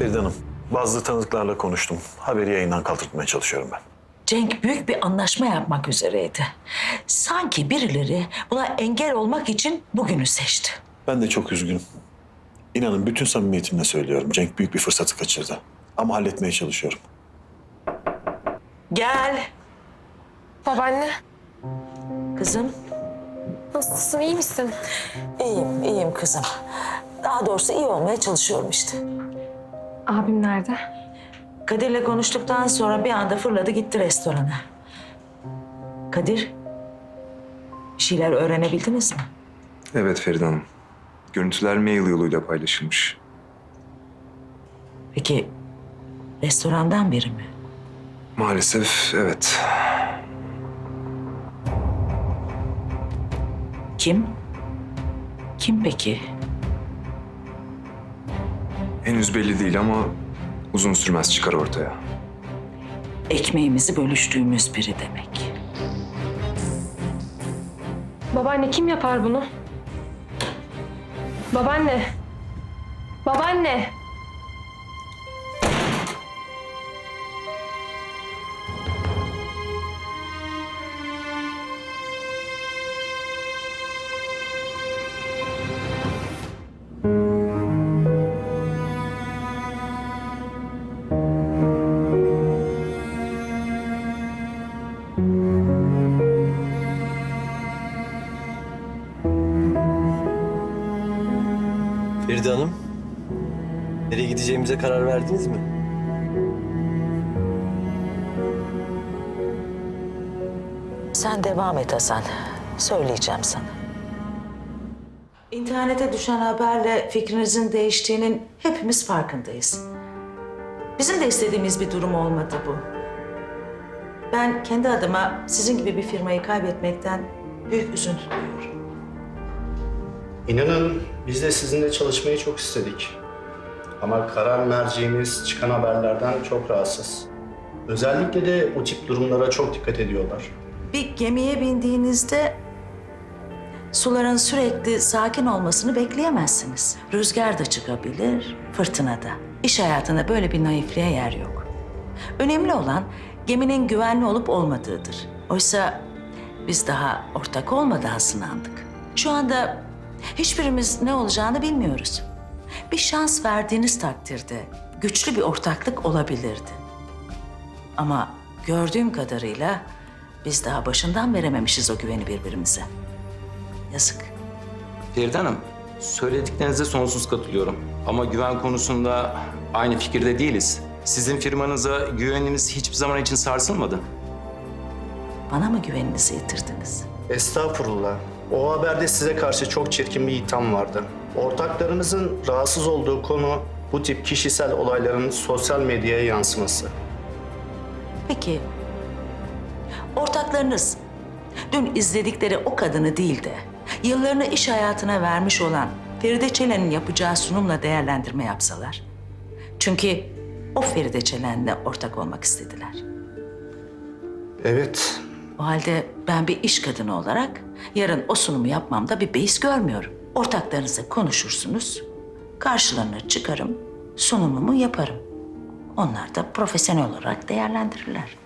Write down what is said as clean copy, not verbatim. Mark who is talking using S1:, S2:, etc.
S1: Feride Hanım, bazı tanıdıklarla konuştum. Haberi yayından kaldırtmaya çalışıyorum ben.
S2: Cenk büyük bir anlaşma yapmak üzereydi. Sanki birileri buna engel olmak için bugünü seçti.
S1: Ben de çok üzgünüm. İnanın bütün samimiyetimle söylüyorum. Cenk büyük bir fırsatı kaçırdı. Ama halletmeye çalışıyorum.
S2: Gel
S3: Babaanne,
S2: kızım.
S3: nasılsın, iyi misin?
S2: İyiyim kızım. Daha doğrusu iyi olmaya çalışıyorum işte.
S3: Abim nerede?
S2: Kadir'le konuştuktan sonra bir anda fırladı gitti restorana. Kadir, bir şeyler öğrenebildiniz mi?
S4: Evet Feride Hanım. Görüntüler mail yoluyla paylaşılmış.
S2: Peki restorandan biri mi?
S4: Maalesef evet.
S2: Kim? Kim peki?
S4: Henüz belli değil ama uzun sürmez çıkar ortaya.
S2: Ekmeğimizi bölüştüğümüz biri demek.
S3: Babaanne kim yapar bunu? Babaanne. Babaanne.
S5: Feride Hanım, nereye gideceğimize karar verdiniz mi?
S2: Sen devam et Hasan. Söyleyeceğim sana. İnternete düşen haberle fikrinizin değiştiğinin hepimiz farkındayız. Bizim de istediğimiz bir durum olmadı bu. Ben kendi adıma sizin gibi bir firmayı kaybetmekten büyük üzüntü duyuyorum.
S6: İnanın biz de sizinle çalışmayı çok istedik. Ama karar merceğimiz çıkan haberlerden çok rahatsız. Özellikle de bu tip durumlara çok dikkat ediyorlar.
S2: Bir gemiye bindiğinizde suların sürekli sakin olmasını bekleyemezsiniz. Rüzgar da çıkabilir, fırtına da. İş hayatında böyle bir naifliğe yer yok. Önemli olan geminin güvenli olup olmadığıdır. Oysa biz daha ortak olmadan sınandık. Şu anda hiçbirimiz ne olacağını bilmiyoruz. Bir şans verdiğiniz takdirde güçlü bir ortaklık olabilirdi. Ama gördüğüm kadarıyla biz daha başından verememişiz o güveni birbirimize. Yazık.
S7: Feride Hanım, söylediklerinize sonsuz katılıyorum. Ama güven konusunda aynı fikirde değiliz. Sizin firmanıza güvenimiz hiçbir zaman için sarsılmadı.
S2: Bana mı güveninizi yitirdiniz?
S6: Estağfurullah. O haberde size karşı çok çirkin bir itham vardı. Ortaklarınızın rahatsız olduğu konu bu tip kişisel olayların sosyal medyaya yansıması.
S2: Peki, ortaklarınız dün izledikleri o kadını değil de yıllarını iş hayatına vermiş olan Feride Çelen'in yapacağı sunumla değerlendirme yapsalar. Çünkü o Feride Çelen'le ortak olmak istediler.
S6: Evet,
S2: O halde ben bir iş kadını olarak yarın o sunumu yapmamda bir beis görmüyorum. Ortaklarınızla konuşursunuz, karşılarına çıkarım, sunumumu yaparım. Onlar da profesyonel olarak değerlendirirler.